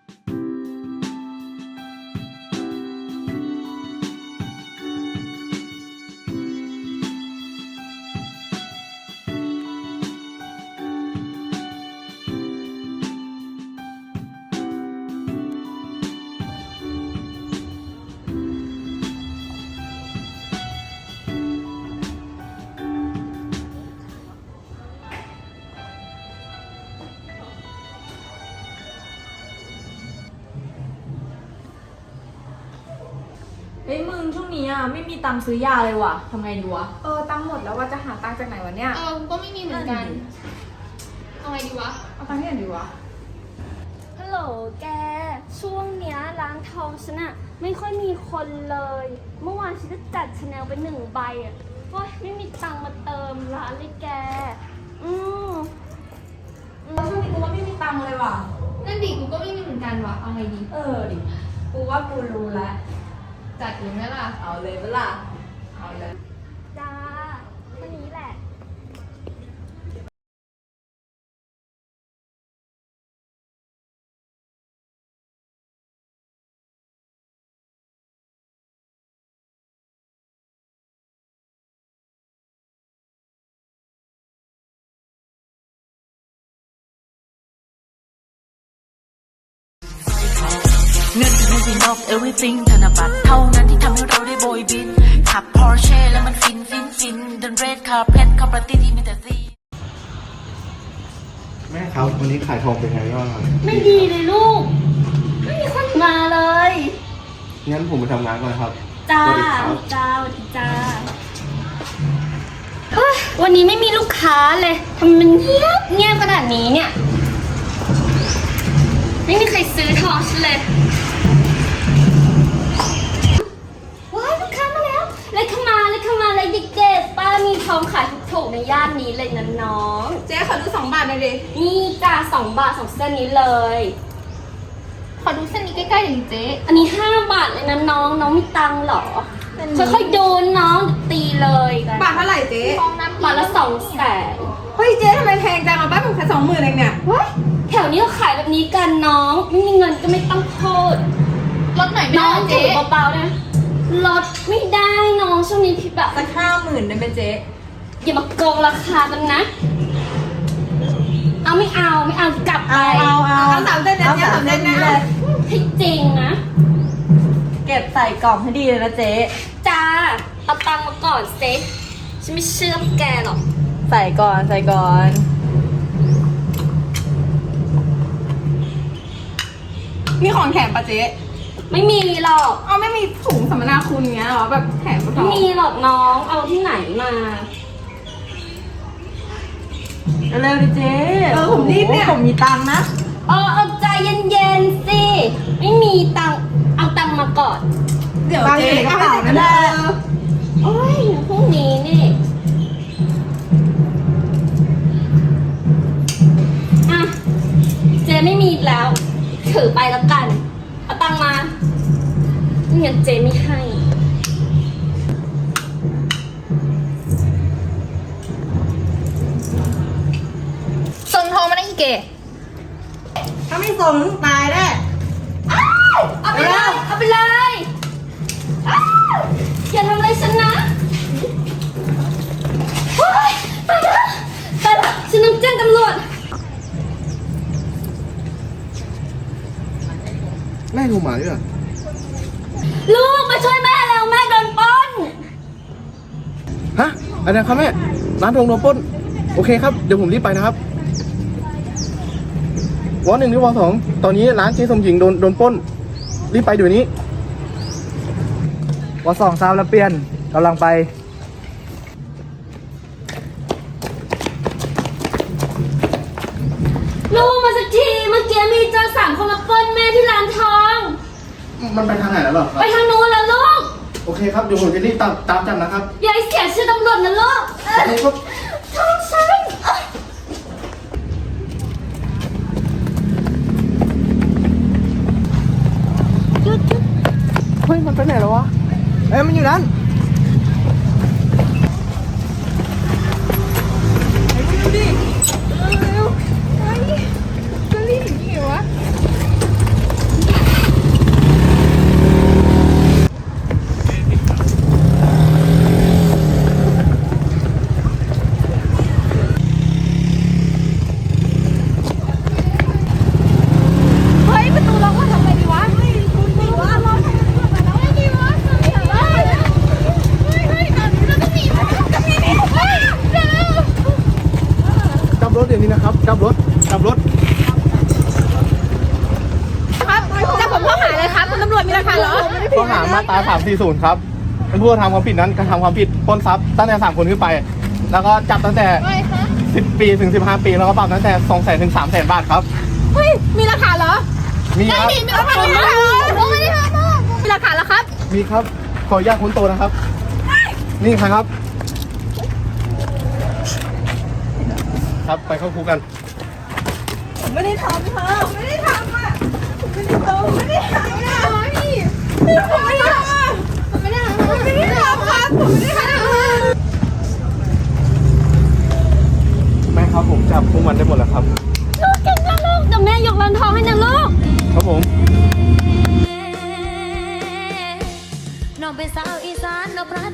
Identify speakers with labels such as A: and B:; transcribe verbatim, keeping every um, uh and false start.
A: เฮ้ยมึงช่วงนี้อ่ะไม่มีตังค์ซื้อยาเลยว่ะทำไงดีวะ
B: เออตังค์หมดแล้วว่าจะหาตังค์จากไหนวะเนี่ย
C: เออก็ไม่มีเหมือนกันเอาไงดีวะ
B: เอาตังค์ที่ไหนดีวะ
D: ฮัลโหลแกช่วงเนี้ยร้านทองฉันอะไม่ค่อยมีคนเลย เมื่อวานฉันก็จัดชาแนลไปหนึ่งใบอะโอ๊ยไม่มีตังค์มาเติมร้านเลยแกอืม
A: ช่วงนี้กูว่าไม่มีตังค์เลยว่ะ
C: นั่นดิกูก็ไม่มีเหมือนกันวะเอาไงดี
A: เออดิกูว่ากูรู้แล้ว
C: จัดเลยไหมล่ะ
A: เอาเลยเปล่าเอาเลย
D: จ้าแค่นี้แหละ
E: เงินคือ nothing of everything ธนบัตรเท่านั้นที่ทำให้เราได้โบยบินขับ Porsche แล้วมันฟินฟินฟินเดิน red carpet เข้าปาร์ตี้ที่มีแต่ซี
F: แม่ครับวันนี้ขายทองเป็นไงบ้างครับ
D: ไม่ดีเลยลูกไม่มีคนมาเลย
F: งั้นผมไปทำงานก่อนครับ
D: จ้าจ้าจ้าเฮ้ยวันนี้ไม่มีลูกค้าเลยทำไมมันเงียบเงียบขนาดนี้เนี่ยไม่มีใครซื้อทองฉันเลยว้ายลูกค้ามาแล้วเลยเข้ามาเลยเข้ามาเลยเด็กๆป้ามีทองขายถูกๆในย่านนี้เลยนะน้อง
B: เจ๊ขอดูสองบาทหน่อยดิ
D: นี่จ้าสองบาทสองเส้นนี้เลย
C: ขอดูเส้นนี้ใกล้ๆหน่อยเจ๊
D: อันนี้ห้าบาทเลยนะน้องน้องมีตังค์เหรอค่อยๆโดนน้องตีเลย
B: บาทเท่าไหร่เจ๊
C: ทองน้ำ
D: บาทละสองแสน
B: เฮ้ยเจ๊ทำไมแพงจังอ่ะบ้านผมแค่สองหมื่นเองเนี่ย
D: ว้ายแถวนี้เขาขายแบบนี้กันน้องไม่มีเงินก็ไม่ต้องโทษ
C: ลดหน่อยไม่
D: ได้
C: เจ๊
D: เบาๆนะลดไม่ได้น้องช่วงนี้พี่แบบ
B: สักห้าหมื่นได้ไหมเจ๊
D: อย่ามาโกงราคากันนะเอาไม่เอาไม่เอากลับไป
B: เอาเอาเอาสามเส้นเนี่ยสามเส้นนี้เลย
D: ให้จริงนะ
A: เก็บใส่กล่องให้ดีเลยนะเจ๊
D: จ้าเอาตังค์มาก่อนเซ็ฉันไม่เชื่อแกหรอก
A: ใส่ก่อนใส่ก่อน
B: มีของแถมปะเจ๊
D: ไม่มีหรอก
B: เอาไม่มีถุงสัมมนาคุณเงี้ยหรอแบบแถมปะ
D: ไม่มีหรอกน้องเอาที่ไหนมา
A: เร็วดิเจ๊
B: เออผมรีบเนี่ย
A: ผมมีตังค์นะ
D: เออเอาใจเย็นๆสิไม่มีตังค์เอาตังค์มาก่อน
B: เดี๋ยวเจ๊กระเป๋านั่นแหละ
D: โอ้ยพรุ่งนี้นี่อ่ะเจ๊ไม่มีแล้วถือไปแล้วกันเอาตังค์มาไม่งั้นเจ๊ไม่ให้
C: ส่งทองมาได้อีกเก๋
B: ถ้าไม่ส่งตายแน่
D: เอาไปเลยเอาไปเลยอย่าทำอะไรฉันนะเฮ้ยไปแล้วไปแล้วฉันต้องแจ้งตำรวจ
F: แม่โทรมาด้วยเหรอ
D: ลูกมาช่วยแม่แล้วแม่โดนปล้น
F: ฮะอะไรครับแม่ร้านทองโดนปล้นโอเคครับเดี๋ยวผมรีบไปนะครับวอหนึ่งหรือวอสองตอนนี้ร้านเจ๊สมหญิงโดนโดนปล้นรีบไปเดี๋ยวนี้วอสองซาวแล้วเปลี่ยนกำลังไป
D: ลูกมาสักทีเมื่อกี้มีโจรสามคนมาปล้นแม่ที่ร้านทอง
F: มันไปทางไหนแล้วหรอครับ
D: ไปทางนู้นแล้วลูก
F: โอเคครับเดี๋ยวผมจะรีบตามตามจับนะครับ
D: อย่าให้เสียชื่อตำรวจนะลูก
F: โอเคครับ
D: ทองฉัน
F: เฮ้ยมันไปไหนแล้ววะเอ้ยมันอยู่นั้น
B: ดูดิเร็วๆเฮ้ยจะรีบอย่างนี้เหรอวะคุณตำรวจมีหลักฐานเหรอ
F: ข้อหามาตราสามสี่ศูนย์ครับ เป็นผู้กระทำความผิดนั้นกระทำความผิดปล้นทรัพย์ตั้งแต่สามคนขึ้นไป แล้วก็จับตั้งแต่สิบปีถึงสิบห้าปี แล้วก็ปรับตั้งแต่สองแสนถึงสามแสนบาทครับ
B: เฮ้ย มีหลักฐานเหรอ
F: มีครับ
B: มีหลักฐานเหรอผมไม่ได้ทำมีหลักฐานแล้วครับ
F: มีครับ ขออนุญาตค้นตัวนะครับ นี่ครับ ครับไปเข้าคุกกัน
B: ผมไม่ได้ทำค่ะผมไม่ได้ทำอ่ะผมไม่ได้ทำผมไม่ได้ทำนะพี่ผมไม่ได้ทำอ่ะผมไม่ได้ทำผมไม่ได้ทำครับผมไม่ได้ทำ
F: แม่ครับผมจับพวกมันได้หมดแล้วครับ
D: ลูกเก่งมากลูกเดี๋ยวแม่ยกร้านทองให้นะลูก
F: ครับผม
G: น้องเป็นสาวอีสานน้องไพร